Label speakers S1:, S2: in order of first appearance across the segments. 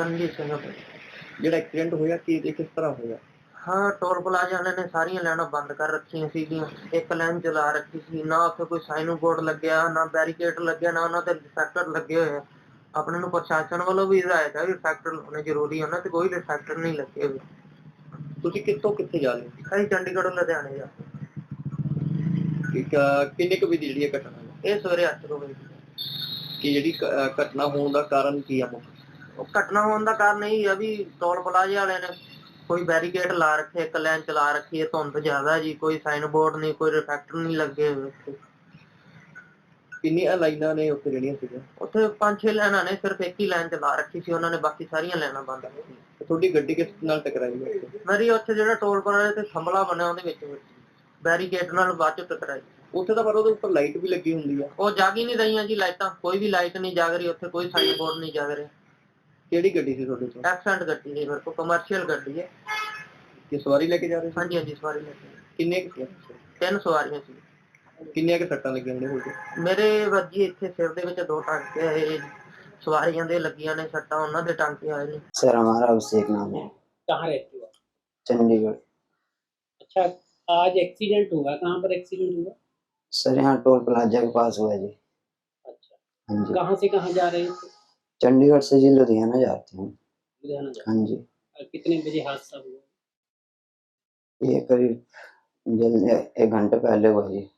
S1: ਰਣਜੀਤ ਸਿੰਘ ਆ।
S2: ਜਿਹੜਾ ਐਕਸੀਡੈਂਟ ਹੋਇਆ ਕੀ ਤੇ ਕਿਸ ਤਰ੍ਹਾਂ ਹੋਇਆ?
S1: ਹਾਂ, ਟੋਲ ਪਲਾਜ਼ਾ ਵਾਲਿਆਂ ਨੇ ਸਾਰੀਆਂ ਲਾਈਨਾਂ ਬੰਦ ਕਰ ਰੱਖੀਆਂ ਸੀਗੀਆਂ। ਇੱਕ ਲਾਈਨ ਚਲਾ ਰੱਖੀ ਸੀ, ਨਾ ਉੱਥੇ ਕੋਈ ਸਾਈਨ ਬੋਰਡ ਲੱਗਿਆ, ਨਾ ਬੈਰੀਕੇਡ ਲੱਗਿਆ, ਨਾ ਉਹਨਾਂ ਤੇ ਰਿਫਲੈਕਟਰ ਲੱਗੇ ਹੋਏ ਆ। ਆਪਣੇ ਨੂੰ ਪ੍ਰਸ਼ਾਸਨ ਵੱਲੋਂ ਵੀ ਹਦਾਇਤ ਹੈ ਵੀ ਰਿਫਲੈਕਟਰ ਲਾਉਣੇ ਜ਼ਰੂਰੀ ਆ, ਉਹਨਾਂ ਤੇ ਕੋਈ ਰਿਫਲੈਕਟਰ ਨਹੀਂ ਲੱਗੇ ਹੋਏ।
S2: ਤੁਸੀਂ ਕਿੱਥੋਂ ਕਿੱਥੇ ਜਾ ਰਹੇ ਸੀ?
S1: ਅਸੀਂ ਚੰਡੀਗੜ੍ਹੋਂ ਲੁਧਿਆਣੇ ਜਾ
S2: ਠੀਕ ਆ, ਕਿੰਨੇ ਕੁ ਵਜੇ ਜਿਹੜੀ ਇਹ ਘਟਨਾ ਹੈ?
S1: ਇਹ ਸਵੇਰੇ 8 ਵਜੇ।
S2: ਕਿ ਜਿਹੜੀ ਘਟਨਾ ਹੋਣ ਦਾ ਕਾਰਨ ਕੀ ਆ?
S1: ਉਹ ਘਟਨਾ ਹੋਣ ਦਾ ਕਾਰਨ ਇਹ ਆ ਵੀ ਟੋਲ ਪਲਾਜ਼ੇ ਵਾਲਿਆਂ ਨੇ ਕੋਈ ਬੈਰੀਕੇਡ ਲਾ ਰੱਖੇ, ਇੱਕ ਲਾਈਨ ਚਲਾ ਰੱਖੀ ਹੈ। ਧੁੰਦ ਜ਼ਿਆਦਾ ਜੀ, ਕੋਈ ਸਾਈਨ ਬੋਰਡ ਨਹੀਂ, ਕੋਈ ਰਿਫਲੈਕਟਰ ਨਹੀਂ ਲੱਗੇ ਹੋਏ ਉੱਥੇ।
S2: ਕਿੰਨੀਆਂ ਲਾਈਨਾਂ ਨੇ ਉੱਥੇ ਜਿਹੜੀਆਂ ਸੀਗੀਆਂ?
S1: ਉੱਥੇ 5-6 ਲਾਈਨਾਂ ਨੇ, ਸਿਰਫ ਇੱਕ ਹੀ ਲਾਈਨ ਚਲਾ ਰੱਖੀ ਸੀ ਉਹਨਾਂ ਨੇ, ਬਾਕੀ ਸਾਰੀਆਂ ਲਾਈਨਾਂ ਬੰਦ ਕੀਤੀਆਂ।
S2: ਤੁਹਾਡੀ ਗੱਡੀ ਕਿਸ ਨਾਲ ਟਕਰਾਈ ਹੈ?
S1: ਮੇਰੀ ਉੱਥੇ ਜਿਹੜਾ ਟੋਲ ਪਲਾਜ਼ੇ ਤੇ ਥੰਬਲਾ ਬਣਿਆ ਉਹਦੇ ਵਿੱਚ ਬੈਰੀਕੇਡ ਨਾਲ ਬਾਅਦ ਚ ਟਕਰਾਈ।
S2: ਉੱਥੇ ਤਾਂ ਪਰ ਉਹਦੇ ਉੱਪਰ ਲਾਈਟ ਵੀ ਲੱਗੀ ਹੁੰਦੀ ਆ।
S1: ਉਹ ਜਗ ਹੀ ਨਹੀਂ ਰਹੀਆਂ ਜੀ ਲਾਈਟਾਂ, ਕੋਈ ਵੀ ਲਾਈਟ ਨਹੀਂ ਜਗ ਰਹੀ ਉੱਥੇ, ਕੋਈ ਸਾਈਨ ਬੋਰਡ ਨਹੀਂ ਜਗ ਰਿਹਾ।
S2: ਕਿਹੜੀ ਗੱਡੀ ਸੀ ਤੁਹਾਡੇ ਕੋਲ?
S1: ਐਕਸੈਂਟ ਗੱਡੀ ਹੈ ਮੇਰੇ ਕੋਲ, ਕਮਰਸ਼ੀਅਲ ਗੱਡੀ ਹੈ।
S2: ਕਿ ਸਵਾਰੀ ਲੈ ਕੇ ਜਾ ਰਹੇ ਸੀ?
S1: ਹਾਂਜੀ ਹਾਂਜੀ, ਸਵਾਰੀ ਲੈ ਕੇ।
S2: ਕਿੰਨੇ ਕੁ ਸੀ?
S1: 3 ਸਵਾਰੀਆਂ ਸੀ।
S2: ਕਿੰਨੀਆਂ ਕੁ ਸੱਟਾਂ ਲੱਗੀਆਂ ਨੇ ਹੋਏ?
S1: ਮੇਰੇ ਵੱਜੀ ਇੱਥੇ ਸਿਰ ਦੇ ਵਿੱਚ 2 ਟਾਂਕੇ ਆਏ, सवारियां दे लगियां ने सट्टा उन्हां दे टांके आए ने।
S3: सर हमारा अभिषेक नाम है।
S4: कहाँ रहते हो?
S3: चंडीगढ़।
S4: अच्छा, आज एक्सीडेंट हुआ, कहाँ पर एक्सीडेंट हुआ?
S3: सर यहाँ टोल प्लाजा के पास हुआ जी।
S4: अच्छा,
S3: हाँ जी।
S4: कहाँ से कहाँ जा रहे थे?
S3: चंडीगढ़ से जी लुधियाना जाते हैं।
S4: लुधियाना जा।
S3: हाँ जी।
S4: कितने बजे हादसा हुआ?
S3: ये करीब जल्द 1 घंटे पहले हुआ जी।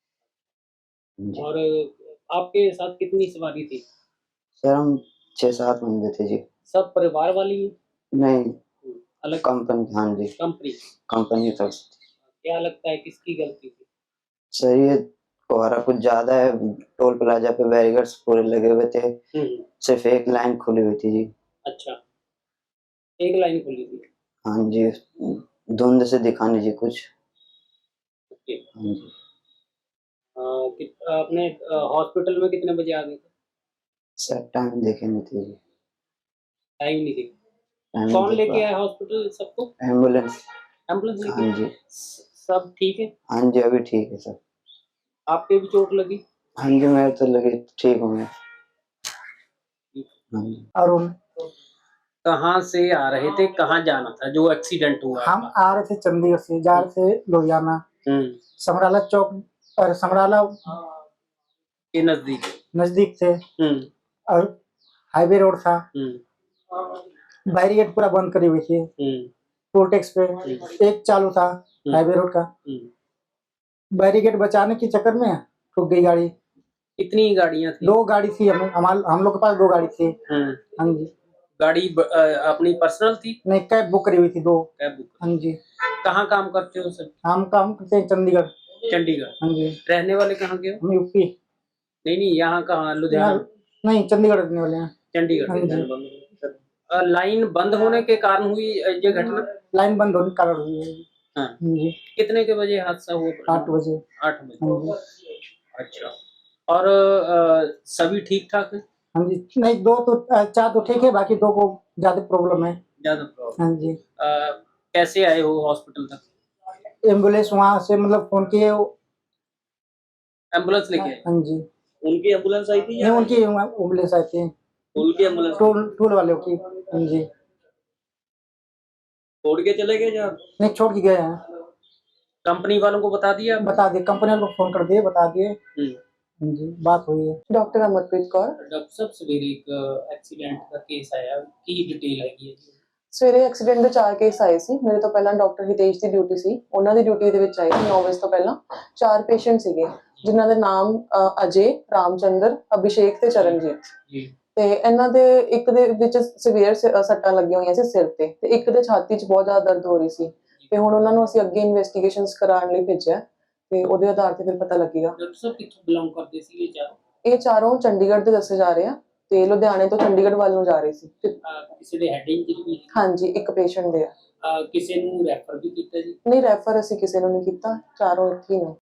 S4: और आपके साथ कितनी सवारी थी?
S3: सर हम 6-7 बंदे थे जी।
S4: सब परिवार वाली हैं?
S3: नहीं,
S4: अलग
S3: कंपनी। हाँ जी, कंपनी तरफ से।
S4: क्या लगता है किसकी गलती थी?
S3: सर ये कोहरा कुछ ज्यादा है, टोल प्लाजा पे बैरिकेड्स पूरे लगे हुए थे, सिर्फ एक लाइन खुली हुई थी जी।
S4: अच्छा, एक लाइन खुली थी।
S3: हाँ जी, धुंध से दिखा नहीं जी कुछ।
S4: ओके।
S3: हाँ जी।
S4: आपने हॉस्पिटल में कितने बजे आ गए थे?
S3: सर टाइम देखे नहीं थे जी।
S4: टाइम नहीं देखा।
S3: टाइम
S4: कौन
S3: नहीं
S4: लेके
S3: देखा।
S4: आया हॉस्पिटल सबको?
S3: एम्बुलेंस।
S4: एम्बुलेंस लेके?
S3: हाँ जी।
S4: सब ठीक है?
S3: हाँ जी, अभी ठीक है सर।
S4: आपके भी चोट लगी?
S3: हाँ जी, मैं तो लगी ठीक हूँ मैं। हाँ जी।
S5: अरुण।
S4: कहाँ से आ रहे थे, कहाँ जाना था जो एक्सीडेंट हुआ?
S5: हम आ रहे थे चंडीगढ़ से, जा रहे थे लुधियाना। समराला चौक और समराला
S4: के
S5: नजदीक थे और हाईवे रोड था। बैरिकेड पूरा बंद करी हुई थी। टोल टैक्स पे एक चालू था हाईवे रोड का। बैरिकेड बचाने के चक्कर में ठुक गई गाड़ी।
S4: कितनी गाड़ियां थी?
S5: 2 गाड़ी थी, हम लोग के पास 2 गाड़ी थी। हाँ जी।
S4: गाड़ी अपनी पर्सनल थी?
S5: नहीं, कैब बुक करी हुई थी 2।
S4: Cab book.
S5: हाँ जी।
S4: कहाँ काम करते हो सर?
S5: हम काम करते हैं चंडीगढ़।
S4: चंडीगढ़।
S5: हाँ जी।
S4: रहने वाले कहाँ के हो?
S5: हम यूपी।
S4: नहीं, यहाँ कहाँ? लुधियाना?
S5: नहीं, चंडीगढ़ रहने वाले हैं।
S4: चंडीगढ़।
S5: हाँ जी।
S4: लाइन बंद होने के कारण हुई ये घटना?
S5: लाइन बंद होने के कारण हुई है।
S4: हाँ
S5: जी।
S4: कितने के बजे हादसा हुआ?
S5: 8 बजे।
S4: 8 बजे।
S5: हाँ जी।
S4: अच्छा, और सभी ठीक ठाक है?
S5: हाँ जी। नहीं, 4 तो ठीक है, बाकी 2 को ज्यादा प्रॉब्लम है।
S4: ज्यादा प्रॉब्लम?
S5: हाँ जी।
S4: कैसे आए हो हॉस्पिटल तक?
S5: एम्बुलेंस वहाँ से मतलब फोन किए।
S4: एम्बुलेंस लेके आए?
S5: हाँ जी।
S4: उनकी एम्बुलेंस आई थी?
S5: नहीं, उनकी एम्बुलेंस आई थी।
S4: उनकी एम्बुलेंस?
S5: टोल वालों की। हाँ जी।
S4: छोड़ के चले गए? जहाँ
S5: नहीं, छोड़ के गए हैं।
S4: कंपनी वालों को बता दिया?
S5: बता दिए, कंपनी वालों को फोन कर दिए, बता दिए। हाँ जी, बात हुई है।
S6: डॉक्टर अमरप्रीत कौर।
S4: डॉक्टर साहब, सवेरे एक एक्सीडेंट का केस आया, की डिटेल हैगी है जी?
S6: ਸਵੇਰੇ ਐਕਸੀਡੈਂਟ ਦੇ 4 ਕੇਸ ਆਏ ਸੀ। ਮੇਰੇ ਤੋਂ ਪਹਿਲਾਂ ਡਾਕਟਰ ਹਿਤੇਸ਼ ਦੀ ਡਿਊਟੀ ਸੀ, ਉਹਨਾਂ ਦੀ ਡਿਊਟੀ ਦੇ ਵਿੱਚ ਆਏ 9 ਵਜੇ ਤੋਂ ਪਹਿਲਾਂ 4 ਪੇਸ਼ੈਂਟ ਸੀਗੇ, ਜਿਨ੍ਹਾਂ ਦੇ ਨਾਮ ਅਜੇ, ਰਾਮਚੰਦਰ, ਅਭਿਸ਼ੇਕ ਤੇ ਚਰਨਜੀਤ ਜੀ। ਤੇ ਇਹਨਾਂ ਦੇ ਇੱਕ ਦੇ ਵਿੱਚ ਸੀਵੀਅਰ ਸੱਟਾਂ ਲੱਗੀਆਂ ਹੋਈਆਂ ਸੀ ਸਿਰ ਤੇ ਇੱਕ ਦੇ ਛਾਤੀ 'ਚ ਬਹੁਤ ਜ਼ਿਆਦਾ ਦਰਦ ਹੋ ਰਹੀ ਸੀ। ਤੇ ਹੁਣ ਉਹਨਾਂ ਨੂੰ ਅਸੀਂ ਅੱਗੇ ਇਨਵੈਸਟੀਗੇਸ਼ਨਸ ਕਰਾਉਣ ਲਈ ਭੇਜਿਆ ਤੇ ਉਹਦੇ ਆਧਾਰ ਤੇ ਫਿਰ ਪਤਾ ਲੱਗੇਗਾ।
S4: ਡਾਕਟਰ ਸਾਹਿਬ ਕਿੱਥੋਂ ਬਿਲੋਂਗ ਕਰਦੇ ਸੀ ਇਹ ਚਾਰੋਂ?
S6: ਇਹ ਚਾਰੋਂ ਚੰਡੀਗੜ੍ਹ ਦੇ ਦੱਸੇ ਜਾ ਰਹੇ ਆ ਤੇ ਲੁਧਿਆਣੇ ਤੋਂ ਚੰਡੀਗੜ੍ਹ ਵੱਲ ਨੂੰ ਜਾ ਰਹੇ ਸੀ।
S4: ਕਿਸੇ ਦੇ ਹੈਡ ਇੰਜਰੀ?
S6: ਹਾਂਜੀ, ਇੱਕ ਪੇਸ਼ੈਂਟ ਦੇ ਆ।
S4: ਕਿਸੇ ਨੂੰ ਰੈਫਰ ਵੀ ਕੀਤਾ ਜੀ?
S6: ਨਹੀਂ, ਰੈਫਰ ਅਸੀਂ ਕਿਸੇ ਨੂੰ ਨਹੀਂ ਕੀਤਾ, ਚਾਰੋਂ ਇੱਥੇ ਹੀ ਨੇ।